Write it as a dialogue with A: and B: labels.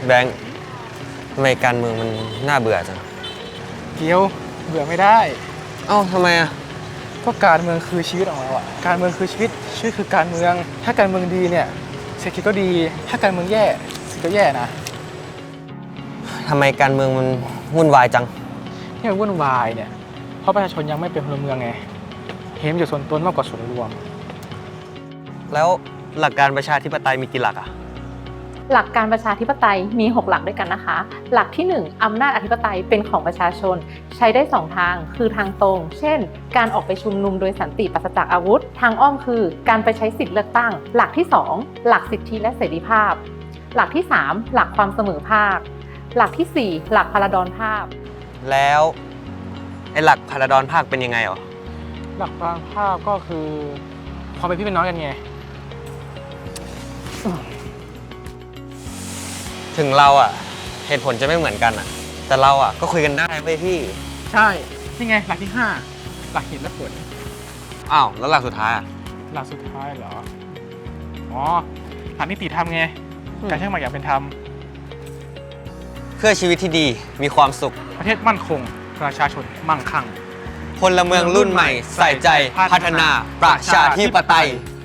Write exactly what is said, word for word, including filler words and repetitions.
A: แบงค์ทำไมการเมืองมันน่าเบื่อจัง
B: เกียวเบื่อไม่ได้
A: เอ้าทำไมอ่ะ
B: ก็การเมืองคือชีวิตของเราอะการเมืองคือชีวิตชีวิตคือการเมืองถ้าการเมืองดีเนี่ยเศรษฐกิจก็ดีถ้าการเมืองแย่เศรษฐกิจก็แย่นะ
A: ทำไมการเมืองมันวุ่นวายจัง
B: ที่มันวุ่นวายเนี่ยเพราะประชาชนยังไม่เป็นพลเมืองไงเห็นอยู่ส่วนตนมากกว่าส่วนรวม
A: แล้วหลักการประชาธิปไตยมีกี่หลักอ่ะ
C: หลักการประชาธิปไตยมีหกหลักด้วยกันนะคะหลักที่หนึ่งอำนาจอธิปไตยเป็นของประชาชนใช้ได้สองทางคือทางตรงเช่นการออกไปชุมนุมโดยสันติปราศจากอาวุธทางอ้อมคือการไปใช้สิทธิเลือกตั้งหลักที่สองหลักสิทธิและเสรีภาพหลักที่สามหลักความเสมอภาคหลักที่สี่หลักพลดรภาพ
A: แล้วไอ้หลักพลดรภาคเป็นยังไงหรอ
B: หลักพลดรภาคก็คือความเป็นพี่เป็นน้องกันไง
A: ถึงเราอ่ะเหตุผลจะไม่เหมือนกันอ่ะแต่เราอ่ะก็คุยกันได้เว้ยพี่
B: ใช่นี่ไงหลักที่ห้าหลักเหตุและผล
A: อ้าวแล้วหลักสุดท้ายอ่ะ
B: หลักสุดท้ายเหรออ๋อหลักนิติธรรมไงการใช้มาอย่างเป็นธรรม
A: เพื่อชีวิตที่ดีมีความสุข
B: ประเทศมั่นคงประชาชนมั่งคั่ง
A: พลเมืองรุ่นใหม่ใส่ใจพัฒนาประชาธิปไตย